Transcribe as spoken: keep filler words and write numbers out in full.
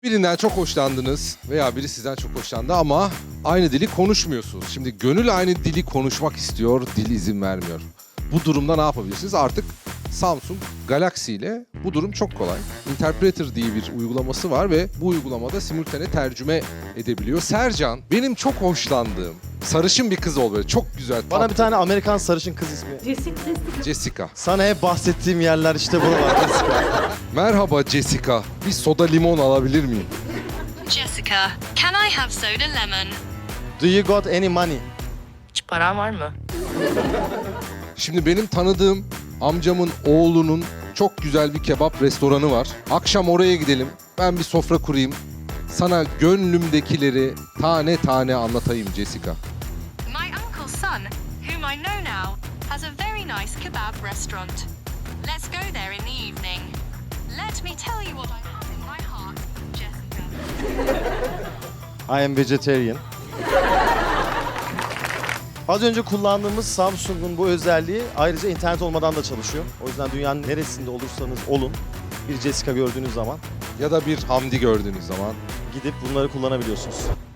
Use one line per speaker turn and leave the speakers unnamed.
Birinden çok hoşlandınız veya biri sizden çok hoşlandı ama aynı dili konuşmuyorsunuz. Şimdi gönül aynı dili konuşmak istiyor, dil izin vermiyor. Bu durumda ne yapabilirsiniz? Artık Samsung Galaxy ile bu durum çok kolay. Interpreter diye bir uygulaması var ve bu uygulamada simultane tercüme edebiliyor. Sercan, benim çok hoşlandığım sarışın bir kız ol böyle. Çok güzel.
Bana
tatlı.
bir tane Amerikan sarışın kız ismi.
Jessica, Jessica.
Jessica.
Sana hep bahsettiğim yerler işte buralar Jessica.
Merhaba Jessica. Bir soda limon alabilir miyim?
Jessica, can I have soda lemon?
Do you got any money?
Hiç paran var mı?
Şimdi benim tanıdığım amcamın oğlunun çok güzel bir kebap restoranı var. Akşam oraya gidelim. Ben bir sofra kurayım. Sana gönlümdekileri tane tane anlatayım Jessica.
My uncle's son, whom I know now, has a very nice kebab restaurant. Let's go there in the evening. Let me tell you what I have in my heart, Jessica.
I am vegetarian. Az önce kullandığımız Samsung'un bu özelliği ayrıca internet olmadan da çalışıyor. O yüzden dünyanın neresinde olursanız olun bir Jessica gördüğünüz zaman
Ya da bir Hamdi gördüğünüz zaman.
gidip bunları kullanabiliyorsunuz.